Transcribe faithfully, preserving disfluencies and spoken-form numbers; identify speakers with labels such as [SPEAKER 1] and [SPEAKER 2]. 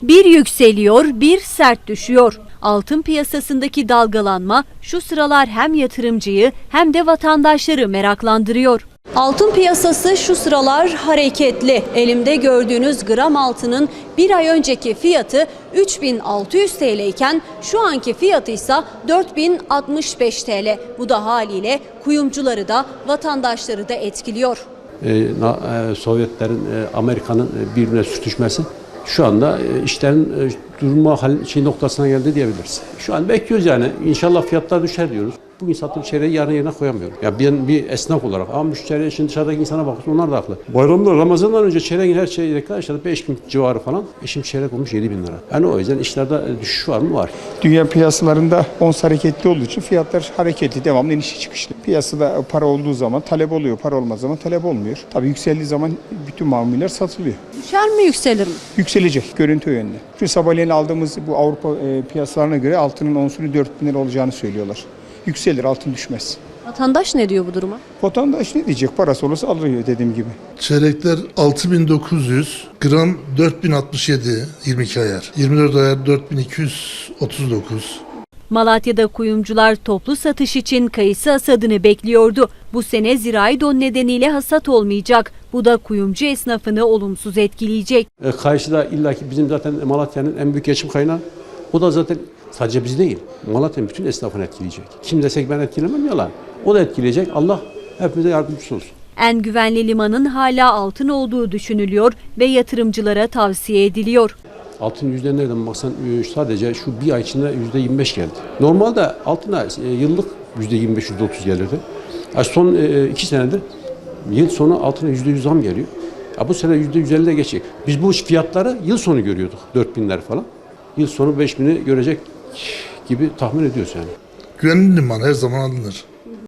[SPEAKER 1] Bir yükseliyor, bir sert düşüyor. Altın piyasasındaki dalgalanma şu sıralar hem yatırımcıyı hem de vatandaşları meraklandırıyor. Altın piyasası şu sıralar hareketli. Elimde gördüğünüz gram altının bir ay önceki fiyatı üç bin altı yüz TL iken şu anki fiyatı ise dört bin altmış beş TL. Bu da haliyle kuyumcuları da vatandaşları da etkiliyor.
[SPEAKER 2] Ee, Sovyetlerin, e, Amerika'nın e, birbirine sürtüşmesi şu anda e, işlerin e, durma hal, şey noktasına geldi diyebiliriz. Şu an bekliyoruz yani. İnşallah fiyatlar düşer diyoruz. Bugün sattığım çeyreği yarın yerine koyamıyorum. Ya ben bir esnaf olarak ama müşteri şimdi dışarıdaki insana bakıyorsun onlar da haklı. Bayramda Ramazan'dan önce çeyreğin her çeyrekler işte beş bin civarı falan. E şimdi çeyrek olmuş yedi bin lira. Yani o yüzden işlerde düşüş var mı? Var.
[SPEAKER 3] Dünya piyasalarında ons hareketli olduğu için fiyatlar hareketli, devamlı inişi çıkışlı. Piyasada para olduğu zaman talep oluyor, para olmaz zaman talep olmuyor. Tabii yükseldiği zaman bütün mamuller satılıyor.
[SPEAKER 1] Düşer mi, yükselir mi?
[SPEAKER 3] Yükselecek, görüntü o yönde. Çünkü sabahleyin aldığımız bu Avrupa e, piyasalarına göre altının onsunu dört bin lira olacağını söylüyorlar. Yükselir, altın düşmez.
[SPEAKER 1] Vatandaş ne diyor bu duruma?
[SPEAKER 3] Vatandaş ne diyecek? Parası olursa alıyor dediğim gibi.
[SPEAKER 4] Çeyrekler altı bin dokuz yüz, gram dört bin altmış yedi, yirmi iki ayar. yirmi dört ayar dört bin iki yüz otuz dokuz.
[SPEAKER 1] Malatya'da kuyumcular toplu satış için kayısı hasadını bekliyordu. Bu sene zirai don nedeniyle hasat olmayacak. Bu da kuyumcu esnafını olumsuz etkileyecek.
[SPEAKER 2] E, Karşıda illaki bizim zaten Malatya'nın en büyük geçim kaynağı. O da zaten sadece biz değil. Malatya'nın bütün esnafını etkileyecek. Kim desek ben etkilemem yalan. O da etkileyecek. Allah hepimize yardımcısı olsun.
[SPEAKER 1] En güvenli limanın hala altın olduğu düşünülüyor ve yatırımcılara tavsiye ediliyor.
[SPEAKER 2] Altın yüzde nereden baksan sadece şu bir ay içinde yüzde yirmi beş geldi. Normalde altına yıllık yüzde yirmi beş yüzde otuz gelirdi. Son iki senedir yıl sonu altına yüzde yüz zam geliyor. Ya bu sene yüzde yüz elli'de geçecek. Biz bu fiyatları yıl sonu görüyorduk. dört binler falan. Yıl sonu beş bini görecek gibi tahmin ediyoruz yani.
[SPEAKER 4] Güvenli liman her zaman alınır.